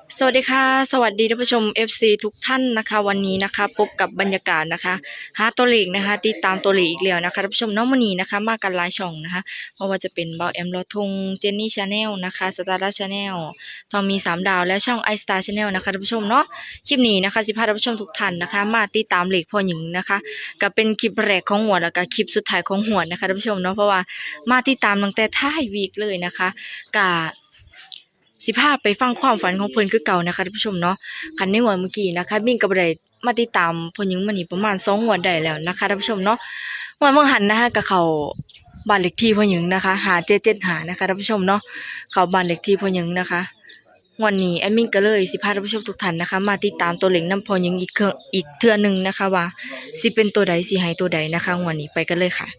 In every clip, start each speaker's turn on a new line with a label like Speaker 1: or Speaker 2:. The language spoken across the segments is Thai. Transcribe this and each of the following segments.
Speaker 1: สวัสดีค่ะสวัสดีท่านผู้ชม FC ทุกท่านนะคะวันนี้นะคะพบกับบรรยากาศนะคะหาตัวเลขนะคะติดตามตัวเลขอีกแล้วนะคะท่านผู้ชมน้องมณีนะคะมากันหลายช่องนะคะไม่ว่าจะเป็นเบาแอมลอทงเจนนี่ชาแนลนะคะสตาร์ชาแนลทองมี3 ดาวและช่องไอสตาร์ชาแนลนะคะท่านผู้ชมเนาะคลิปนี้นะคะสิพาท่านผู้ชมทุกท่านนะคะมาติดตามเลขพ่อหญิงนะคะก็เป็นคลิปแรกของหัวดแล้วก็คลิปสุดท้ายของหัวดนะคะท่านผู้ชมเนาะเพราะว่ามาติดตามตั้งแต่ท้ายวีคเลยนะคะกะ สิพาไปฟังความฝันของเพิ่นคือเก่านะคะท่านผู้ชมเนาะคันในงวดเมื่อกี้นะคะมิ่งก็บ่ได้มาติดตามเพิ่นยังมานี่ประมาณ2งวดได้แล้วนะคะท่านผู้ชมเนาะงวดบางหันนะคะก็เข้าบ้านเลขที่พ่อหญิงนะคะ5775นะคะท่านผู้ชมเนาะเข้าบ้านเลขที่พ่อหญิงนะคะงวดนี้แอดมินก็เลยสิพาท่านผู้ชมทุกท่านนะคะมาติดตามตัวเลขนำพ่อหญิงอีกเทื่อหนึงนะคะว่าสิเป็นตัวใดสิให้ตัวใดนะคะงวดนี้ไปกันเลยค่ะ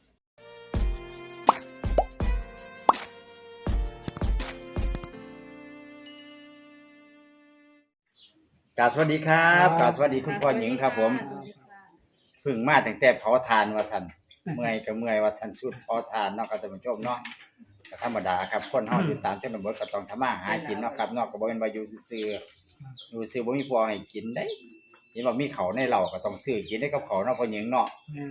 Speaker 2: กราบสวัสดีครับกราบสวัสดีคุณพ่อหญิงครับผมเพึ่งมาตั้งแต่เผาทานว่าซั่นเมื่อยก็เมื่อยว่าซั่นสุดเผาทานเนาะครับท่านผู้ชมเนาะก็ธรรมดาครับคนเฮาอยู่ตามชนบทก็ต้องทำมาหากินเนาะครับเนาะก็บ่แม่นว่าอยู่ซื่อๆอยู่ซื่อบ่มีพอให้กินได้เห็นว่ามีข้าวในเหล้าก็ต้องซื้อกินได้กับข้าวเนาะพ่อหญิงเนาะ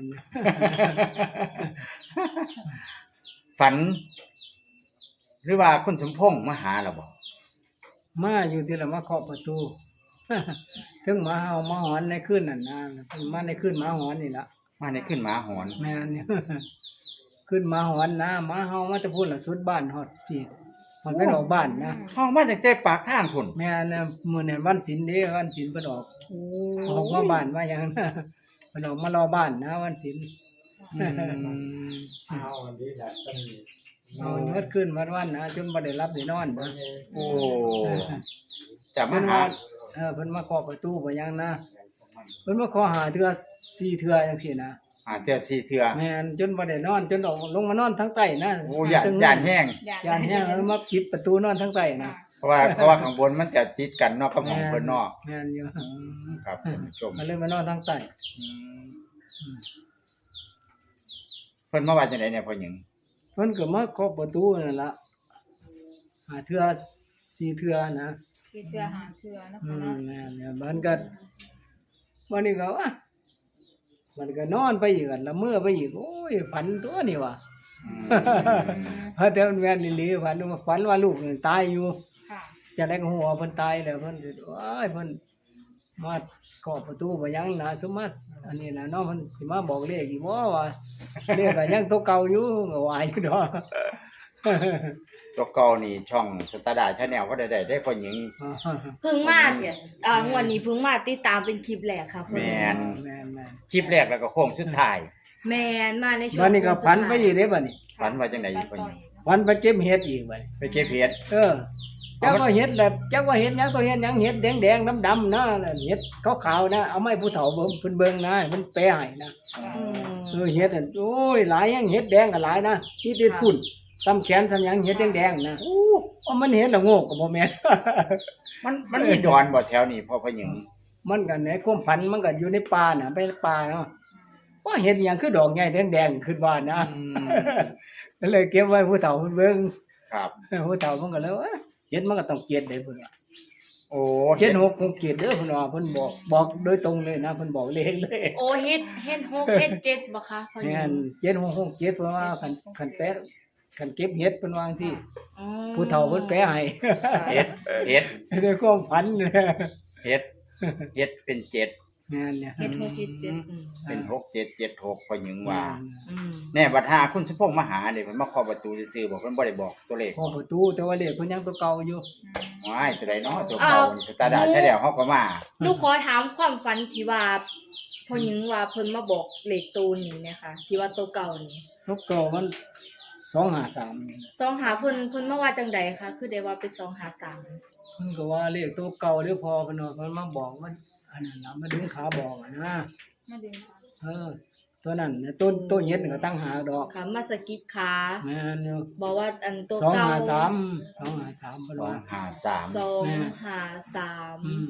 Speaker 2: ฝัน หรือว่าคุณสมพงษ์มาหาล่ะบ่
Speaker 3: มาอยู่ที่ละมาเคาะประตู ถึงหมาเห่าหมาหอนในคืนนั่นนะเพิ่นมาในคืนหมาหอนนี่ละ
Speaker 2: มาในขึ้นหมาหอน
Speaker 3: แม่น เนี่ย คืนหมาหอนนะหมาเห่ามาจะพูดละสุดบ้านฮอดที่มันเป็นออกบ้านนะ
Speaker 2: ห้องมาตั้งแต่ปากทางพุ่น
Speaker 3: แม่นมื้อนั้นวันศีลเด้วันศีลเพิ่นออกออกมาบ้านมาหยัง นะเพิ่นออกมารอบ้านนะวันศีล
Speaker 2: เอาอันนี้แหละต้อง
Speaker 3: เอาเมื่อคืนวันนะจนบ่ได้รับได้นอนนะ
Speaker 2: โอ้จะมา
Speaker 3: เพิ่น
Speaker 2: หา
Speaker 3: ว่าเพิ่นมาเคาะประตูบ่หยังนะเพิ่นมาขอหาเทื่อ4เทื่อจังซี่นะ
Speaker 2: หาเทื่อสี่เทื่อ
Speaker 3: แม่นจนบ่ได้นอนจนออกลงมานอนทั้งใต้นะ
Speaker 2: โอ้ย่านแห้ง
Speaker 3: ย่านแห้งแล้วมาปิดประตูนอนทั้งใต้นะ
Speaker 2: เพราะว่าข้างบนมันจะติดกันเนอกกับของเพิ่นเนอก
Speaker 3: แม่นอยู่
Speaker 2: ครับท่านผู้ชม
Speaker 3: มันเลยมานอนทั้งใต้
Speaker 2: อืมเพิ่นมาว่าจังได๋เนี่ยพ่อหญิง
Speaker 3: เพิ่นก็มาเคาะประตูนั่นล่ะหาเทื่อ4เทื่อนะ
Speaker 4: คือเทื่อหาเทื่อนะ
Speaker 3: อื
Speaker 4: คะ
Speaker 3: ม
Speaker 4: เนาะ
Speaker 3: แม่นเนี่ยมันก็วันนี้ก็มันก็นอนไปอีกละเมื่อไปอีกโอ้ยฝันตัวนี่ว่ะ
Speaker 2: อืม
Speaker 3: เพราะแต่มันแม่นอีหลีฝันว่าลูกนี่ตายอยู่
Speaker 4: ค่ะ
Speaker 3: จะได้ก็หัวเพิ่นตายแล้วเพิ่นสิว้ายเพิ่นมาเคาะประตูบ่ยังนะสมมาอันนี้นะเนาะเพิ่นสิมาบอกเลขอีกบ่ว่าเลขก็ยังตัวเก่าอยู่ก็ว่าอยู่ดอก
Speaker 2: ตัวเก่านี่ช่องสตาร์ดาชาแนลก็ได้พ่อหญิง
Speaker 1: เพิ่งมาเนี่ยงวดนี้เพิ่งมาติดตามเป็นคลิปแรกค่ะ
Speaker 2: แม่น
Speaker 3: แม่น
Speaker 2: คลิปแรกแล้วก็โค้งสุดท้าย
Speaker 1: แมนมาในช่วง
Speaker 3: บัดนี้ก็ฝันไปอีกเด้บัดนี้
Speaker 2: ฝันว่าจังได๋อีกพ่อหญิง
Speaker 3: ฝันไปเก็บเห็ดอีกบัดนี้
Speaker 2: ไปเก็บเห็ด
Speaker 3: เจ้าก็เห็ดแบบเจ้าก็เห็ดหยังก็เห็ดหยังเห็ดแดงๆดำๆนะเห็ดขาวๆนะเอาไม้ผู้เฒ่าเพิ่นเบิ่งนะให้มันแปลให้นะ
Speaker 1: อืม
Speaker 3: เห็ดนั่นโอ้ยหลายหยังเห็ดแดงก็หลายนะที่ติดพุ่นซ้ำแขนซ้ำหยังเห็ดแดงๆนะว่ามันเห็ดละโงกก็บ่แม่น
Speaker 2: มันมีดอนบ่แถวนี้พ่อหญิง
Speaker 3: มันก็ในความพันธุ์มันก็อยู่ในป่าน่ะไปป่าเนาะว่าเห็ดหยังคือดอกใหญ่แดงๆขึ้นบ้านนะ ก็เลยเก็บไว้ผู้เฒ่าเพิ่นเบิ่ง
Speaker 2: ครับ
Speaker 3: ผู้เฒ่าเพิ่นก็เลยว่าเห็ดมันก็ต้องเกลียดได้เพิ่นว่า
Speaker 2: โอ้
Speaker 3: เห็ด6คงเกลียดเด้อเพิ่นว่าเพิ่นบอกโดยตรงเลยนะเพิ่นบอกเลขเลย
Speaker 1: โอเฮ็ด6เฮ็ด7บ่คะพ่อหญิ
Speaker 3: แม่
Speaker 1: ง
Speaker 3: น766 7เพิ่นว่าคันแปะคันเก็บเห็ดเพิ่นว่าจังซี่
Speaker 1: อืม
Speaker 3: ผู้เฒ่าเพิ่นแปะให้
Speaker 2: เห็ดเห็ด
Speaker 3: ด้วยความฝันเนี่ย
Speaker 2: เฮ็ดเฮ็ดเป็นเจ็ด
Speaker 3: แม่นเนี่ย
Speaker 1: เฮ็ด6เฮ็ด7
Speaker 2: เป็นหกเจ็ดเจ็ดหกพอหญิงว่า
Speaker 1: อืม
Speaker 2: แน่บัดหาคุณสมพงษ์มาหาเด้เพิ่นมาเคาะประตูซื่อๆบอกเพิ่นบ่ได้บอกตัวเลข
Speaker 3: พอประตูแต่ว่าเลขเพิ่นยังตัวเก่าอยู่
Speaker 2: ว้ายตัวใดเนาะตัวเก่านี่สตาร์ดาใช่แล้วเฮาก็มา
Speaker 1: ลูกขอถามความฝันที่ว่าพ่อหญิงว่าเพิ่นมาบอกเลขตูนนี่นะคะที่ว่าตัวเก่านี่
Speaker 3: ตัวเก่ามัน253นี่
Speaker 1: ซองหาเพิ่นมาว่าจังใดคะคือได้ว่าเป็น253
Speaker 3: เพิ่นก็ว่าเลขตัวเก่าหรือพอเพิ่นว่าเพิ่นมาบอกมันอันนั้นน่ะมาดึงขาบอกอะนะ
Speaker 4: มาดึงค่ะ
Speaker 3: ตัวนั้นน่ะต้นเฮ็ดนี่ก็ตั้งหากดอก
Speaker 1: ค่ะมาสะกิดขา
Speaker 3: แม่นอยู่
Speaker 1: บอกว่าอันตัวเก่า
Speaker 3: 253เพิ่นว่า
Speaker 2: 253
Speaker 3: อืม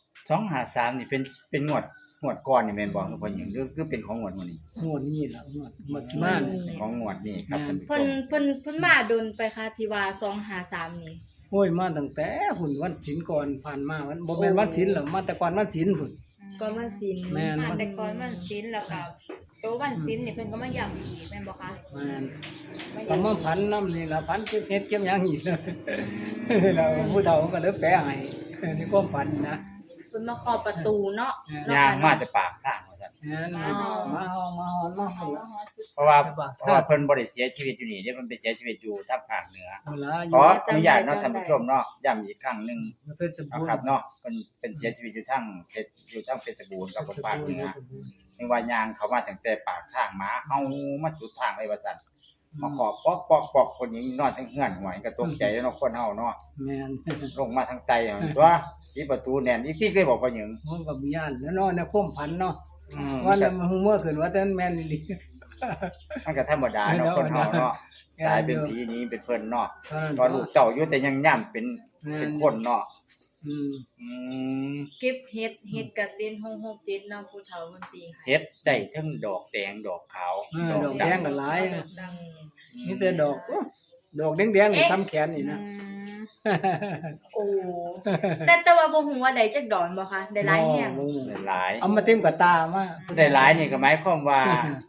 Speaker 2: 253นี่เป็นงวดก่อนนี่แม่นบ่คือพอหญิงหรือเป็นของงวดมื้อนี้
Speaker 3: งวดนี้ล่ะงวดสิมาเนี่ย
Speaker 2: ของงวดนี้ครับท่านผู้ช
Speaker 1: เพิ่น
Speaker 2: ม
Speaker 1: เพิ่นเพิ่นมาโดนไปค่ะที่ว่า253นี่
Speaker 3: โอ้ยมาตั้งแต่หุ่นวันศีลก่อนผ่านมาวันบ่แม่นวันศีลหรอกมาแต่ก่อนวันศีลพุ่น
Speaker 1: ก็มันสิน
Speaker 3: แม่น
Speaker 4: มาแต่ก่อนวันศิลป์แล้วก็โตวันศิลป์นี่เพิ่นก็มาย้ำอีกแม่นบ่คะ
Speaker 3: แม่นก็มาพันน้ำนี่ล่ะพันเก็บเฮ็ดเก็บหยังอีกเลยแล้วผู้เฒ่าก็เลยแปลให้ในความฝันนะ
Speaker 1: เพิ่นมาเคาะประตูเนาะ
Speaker 2: ย่างมาแต่ปากทางว่าซั่น
Speaker 3: แม่นมาเฮามาฮอนมาพุ่นล่ะ
Speaker 2: เพราะว่าเพิ่นบ่ได้เสียชีวิตอยู่นี่เด้เพิ่นไปเสียชีวิตอยู่ทางภาคเหนือ
Speaker 3: เอาล่ะอ
Speaker 2: ข
Speaker 3: ยู่
Speaker 2: ออนุญาตเนาะท่านผู้ชมเนาะย้ำอีกครั้งหนึง
Speaker 3: เพชรบู
Speaker 2: นะ
Speaker 3: รณ์
Speaker 2: ครับเนาะเป็นเสียชีวิตอยู่ทางเพชรบูรณ์กับภาคเหนือไม่ว่ายางเขามาตั้งแต่ปากทางหมาเฮามาสุดทางเลยว่าซั่นมาขอปอกคนหญิงนอนทั้งเฮือนหวยก็ตกใจแล้วเนาะคนเฮาเนาะ
Speaker 3: แม่น
Speaker 2: ลงมาทางใต้อะตัวที่ประตูแน่นอีกที่เคยบอกว่าหยัง
Speaker 3: ผมก็มีย่านแล้วเนาะในความฝันเนาะ
Speaker 2: อืม
Speaker 3: ว่าแล้วมันฮู้เมื่อคืนว่าแต่แม่นอีหลี
Speaker 2: มันก็ธรรมดาเนาะคนเฮาเนาะตายเป็นผีนี้เป็นเพิ่นเนาะตอนลูกเต้าอยู่แต่ยังย่ํเป็นคนเนาะ
Speaker 3: อืม
Speaker 2: อืม
Speaker 1: เก็บเฮ็ดกระเซ็น667เนาะผู้เฒ่ามันตีให้
Speaker 2: เฮ็ดได้ทั้งดอกแดงดอกขาว
Speaker 3: ดอกแดงก็หลาย
Speaker 1: ดัง
Speaker 3: มีแต่ดอกดอกแดงๆนี่ซ้ำแขนนี่นะ
Speaker 1: โอ้แต่ว่าบ่ฮู้ว่าได้จักดอนบ่คะได้หลายแฮง
Speaker 2: ได้หลาย
Speaker 3: เอามาเต็มกับตามา
Speaker 2: ได้หลายนี่ก็หมายความว่า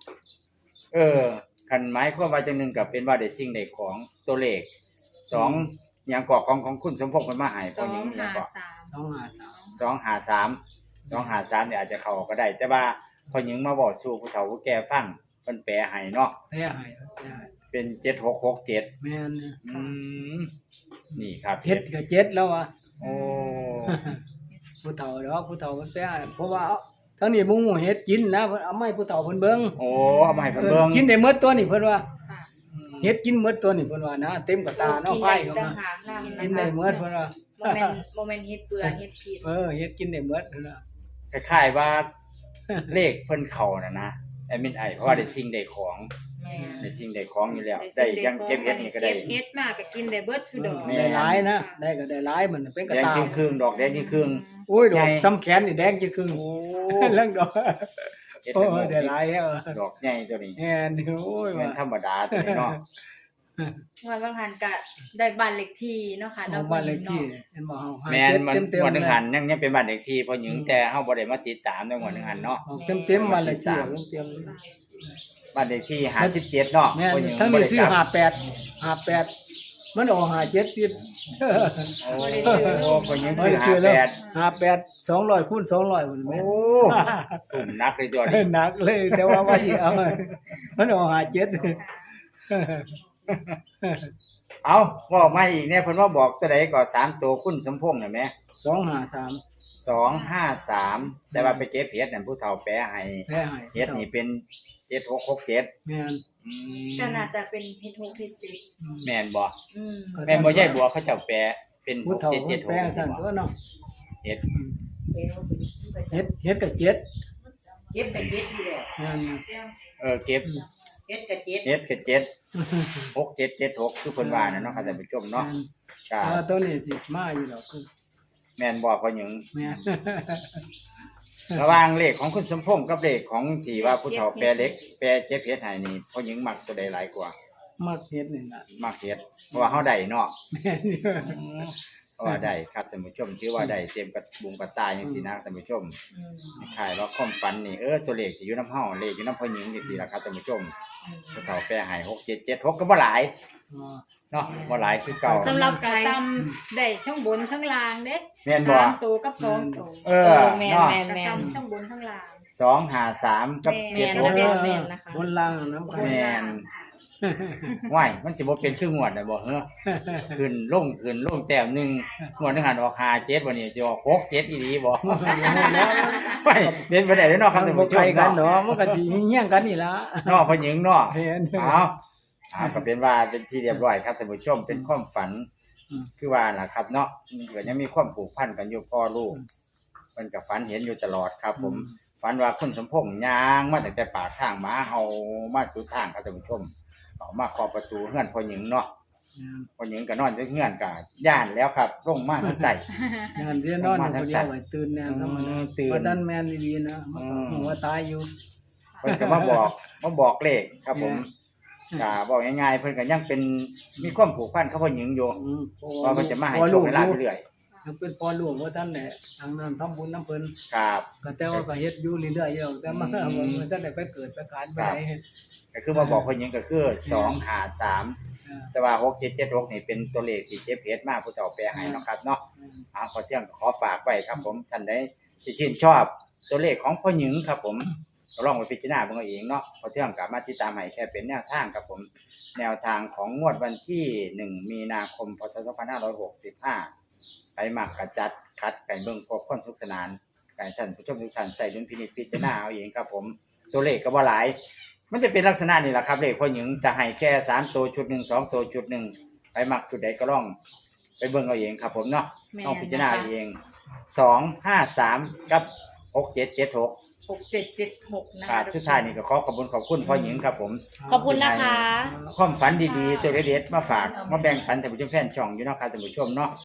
Speaker 2: คันหมายความว่าจังหนึงก็เป็นว่าได้สิ่งได้ของตัวเลขสองหยังกอของคุณสมพงษ์เพิ่นมาให้พอหญิงหยังก็
Speaker 4: 253
Speaker 2: 253เนี่ยอาจจะเข้าก็ได้ แต่ว่าพอหญิงมาบอกสู่ผู้เฒ่าผู้แก่ฟังเพิ่นแปลให้เนาะ
Speaker 3: แท้ให้
Speaker 2: เป็น7667
Speaker 3: แม่น
Speaker 2: อืมนี่ครับ
Speaker 3: เฮ็ดก็เจ็ดแล้วว่ะ
Speaker 2: โอ้
Speaker 3: ผู้เฒ่าดอกผู้เฒ่าเพิ่นไปเพราะว่าทั้งนี้บ่ฮู้เฮ็ดกินนะเพิ่นเอามาให้ผู้เฒ่าเพิ่นเบิ่ง
Speaker 2: โอ้เอามาให้เพิ่นเบิ่ง
Speaker 3: กินได้หมดตัวนี่เพิ่นว่า
Speaker 4: ค่ะ
Speaker 3: เฮ็ดกินหมดตัวนี่เพิ่นว่านะเต็มกับตาเนาะไฟก็
Speaker 1: ต่าง
Speaker 3: มา
Speaker 1: หากนำ
Speaker 3: กินได้หมดเพิ่นว่า
Speaker 1: บ่แม่นเฮ็ดเบื่อเฮ็ดผิด
Speaker 3: เฮ็ดกินได้หมดเพิ่นว่า
Speaker 2: คล้ายๆว่าเลขเพิ่นเข้าน่ะนะแอดมินไอเพราะว่าได้สิ่งได้ของ
Speaker 1: แม่
Speaker 2: ได้สิ่งได้ของอยู่แล้วได้ยังเก็บเฮ็ดนี่ก็ได้
Speaker 4: เก็บเฮ็ดมาก็กินได้เบิดซุดอก
Speaker 2: แม่
Speaker 3: ได้หลายนะได้ก็ได้หลายมันเป็นกระ
Speaker 2: แดง
Speaker 3: ตา
Speaker 2: จึงครึ่งดอกแดงจึงครึ่ง
Speaker 3: โอ้ยดอก
Speaker 2: ใหญ่
Speaker 3: ซ้ำแขนนี่แดงจะครึ่ง
Speaker 2: โอ้
Speaker 3: เรื่องดอก
Speaker 2: เฮ็ด
Speaker 3: โอ้
Speaker 2: เป็น
Speaker 3: ยได้หลายแล้ว
Speaker 2: ดอกใหญ่ตัวนี้
Speaker 3: แม่นโอ้ย
Speaker 2: แม่นธรรมดาตัวนี้เนาะ
Speaker 1: ว่าบางหันก็ได้บ้านเลขที่เนาะค่ะ
Speaker 3: เอาบ้านเลขที่เห็นบ่เฮา
Speaker 2: แม่นมัน
Speaker 3: เต็ม
Speaker 2: วัน
Speaker 3: ๆ
Speaker 2: หนึง
Speaker 3: เลย
Speaker 2: หันยังเป็นบ้านเลขที่พอหญิงแต่เฮาบ่ได้มาติดตามในวันหนึงหันเนาะ
Speaker 3: ออกเต็มๆบ้านเลขที่เต็ม
Speaker 2: บ้านเลขที่57เนาะ
Speaker 3: ๆแม่น
Speaker 2: พอหญิง
Speaker 3: ทั้ง
Speaker 2: บ่
Speaker 3: นี้
Speaker 2: ได้
Speaker 3: ซื้อก
Speaker 2: ลับ
Speaker 3: 58มันออก57ติด
Speaker 2: โอ้พอหญิง
Speaker 3: บ่
Speaker 2: ซื้อ
Speaker 3: ได้ซื้อแล้ว
Speaker 2: 58
Speaker 3: 58 200คูณ200พุ่น
Speaker 2: โอ้
Speaker 3: แม่น
Speaker 2: ตุ่มนักเลยตัวนี้
Speaker 3: หนักเลยแต่ว่าสิเอามันออก57
Speaker 2: เอาบอกมาอีกเนี่ยเพิ่นว่าบอกตัวใดก็3ตัวคุณสมพงษ์น่ะแหม
Speaker 3: 253
Speaker 2: 253แต่ว่าไปเก็บเฮ็ดนั่นผู้เฒ่าแปลให้
Speaker 3: แท้ให้
Speaker 2: เฮ็ดนี่เป็น7667
Speaker 3: แม่น
Speaker 2: อืม
Speaker 1: ก็น่าจะเป็นเฮ็ด6เฮ็ด7
Speaker 2: แม่นบ่
Speaker 1: อืม
Speaker 2: แม่นบ่ยายบัวเขาเจ้าแปลเป็น
Speaker 3: ผู้เฒ่าเพิ่นแปลงซั่น
Speaker 2: 6776
Speaker 3: ตัวเนาะ
Speaker 2: เฮ็ด
Speaker 3: เฮ็ดก็เจ็ด
Speaker 5: เก็บกับเจ็ดอยู่แล้ว
Speaker 3: แม่น
Speaker 2: เก็บ
Speaker 5: เฮ็ดกับเจ็ด
Speaker 2: เฮ็ดก็6776คือเพิ่นว่าน่ะเนาะค่ะท่านผู้ชมเนาะก็
Speaker 3: ตัวนี้สิมาอยู่ดอกคือ
Speaker 2: แม่นบ่พ่อหญิง
Speaker 3: แม่น
Speaker 2: ระหว่างเลขของคุณสมพงษ์กับเลขของที่ว่าผู้เฒ่าแปลเล็กแปลเจ็บเฮ็ดให้นี่พ่อหญิงมักตัวใดหลายกว่า
Speaker 3: มักเฮ็ดนี่ล่ะ
Speaker 2: มักเฮ็ดเพราะว่าเฮาได้เนาะ
Speaker 3: แม่นอยู่
Speaker 2: เพราะว่าได้ครับท่านผู้ชมถือว่าได้เต็มกระบุงกระตายจังซี่นะท่านผู้ชม
Speaker 1: อืม
Speaker 2: คล้ายว่าความฝันนี่ตัวเลขสิอยู่นำเฮาเลขอยู่นำพ่อหญิงจังซี่ล่ะครับท่านผู้ชมผู้เฒ่าแปลให้6776ก็บ่หลาย
Speaker 3: อ๋อ
Speaker 2: เนาะบ่หลายคือเก่า
Speaker 1: สำหรับ
Speaker 4: กระซ้ำได้ทั้งบนทั้งล่างเด้
Speaker 2: แม่นบ่
Speaker 4: 3ตัวกับ2ตัว
Speaker 1: แม่น
Speaker 2: เนาะ
Speaker 1: แม่น
Speaker 4: กระ
Speaker 1: แม่น
Speaker 4: ซ้ำทั้งบนทั้งล่าง
Speaker 2: 253กับ
Speaker 1: แม่น
Speaker 2: 76
Speaker 1: แม่นนะคะ
Speaker 3: บนล่างน้ำกัน
Speaker 2: แม่น ว้ายมันสิบ่เป็นคืองวดน่ะบ่เฮ้อขึ้นลงแต้มหนึงงวดหนึงหันออก57บ่นี่สิออก67อีหลีบ่ว้ายเป็นบ่ได้เด้อเนาะครับท่าน
Speaker 3: บ่
Speaker 2: ผู้ช
Speaker 3: ไกล
Speaker 2: ม
Speaker 3: กัน
Speaker 2: เนาะ
Speaker 3: เนาะมันก็สิเฮี้ยงกันนี่ล่ะ
Speaker 2: เนาะพ่อหญิงเนาะ
Speaker 3: เห็น
Speaker 2: ก็เป็นว่าเป็นที่เรียบร้อยครับท่านผู้ชมเป็นความฝัน
Speaker 3: อืม
Speaker 2: คือว่าล่ะครับเนาะก็ยังมีความผูกพันกันอยู่พ่อลูกมันก็ฝันเห็นอยู่ตลอดครับ ผมฝันว่าคุณสมพงษ์ย่างมาตั้งแต่ปากทางหมาเฮามาสุดทางครับท่านผู้ชมเอามาเคาะประตูเฮือนพ่อหญิงเนาะพ่อหญิงก็นอนอยู่เฮือนก็ย่านแล้วครับลงมาทางใต้
Speaker 3: งานเรียนนอนอยู่คนเดียวไว้ตื่นแน่นอน
Speaker 2: ตื่น
Speaker 3: ว่าท่านแม่นดีๆนะมันก็หัวตายอยู่
Speaker 2: เพิ่นก็มาบอกเลขครับผมก็บอกง่ายๆเพิ่นก็ยังเป็นมีความผูกพันกับพ่อหญิงอยู่
Speaker 3: เพ
Speaker 2: ว่าเพิ่นจะมาให้โชคให้ลาภเรื่อย
Speaker 3: ยังเป็นพ่อลูกว่าท่านแหละทางนั้นทำบุญน้ำเพิ่น
Speaker 2: ๆครับ
Speaker 3: ก็แต่ว่าก็เฮ็ดอยู่เรื่อยๆอยู่แต่มาบ่ท่านได้ไปเกิดไปการไปไหน
Speaker 2: ก็คือมาบอกพ่อหญิงก็คือ253แต่ว่า6776นี่เป็นตัวเลขที่เจ็บเพชรมากผู้เฒ่าแปลให้เนาะครับเนาะขอเที่ยงขอฝากไว้ครับผมท่านใดที่ชื่นชอบตัวเลขของพ่อหญิงครับผมก็ลองไปพิจารณาเบิ่งเอาเองเนาะพอเที่ยงก็มาติดตามให้แค่เป็นแนวทางครับผมแนวทางของงวดวันที่1มีนาคมพศ2565ไปมักกระจัดคัดไก่เบิ่งพบคนทุกสนานไก่ท่านผู้ชมทุกท่านใส่ดุลพินิจพิจารณาเอาเองครับผมตัวเลขก็บ่หลายมันจะเป็นลักษณะนี้แหละครับเลขพ่อหญิงจะให้แค่3ตัวชุด1 2ตัวชุด1ไปมักชุดใดก็ลองไปเบิ่งเอาเองครับผมเนาะต้องพิจารณาเอาเอง253กับ6776
Speaker 1: 6776 นะ
Speaker 2: ครั
Speaker 1: คะ
Speaker 2: บสุดท้ายนี่ก็ขอบคุณพ่อหญิงครับผม
Speaker 1: ขอบคุณนะคะ
Speaker 2: ความฝันดีๆตัวเด็ดๆมาฝากมาแบ่งปันท่านผู้ชมแฟนช่องอยู่เนาะครับท่านผู้ชมเนาะ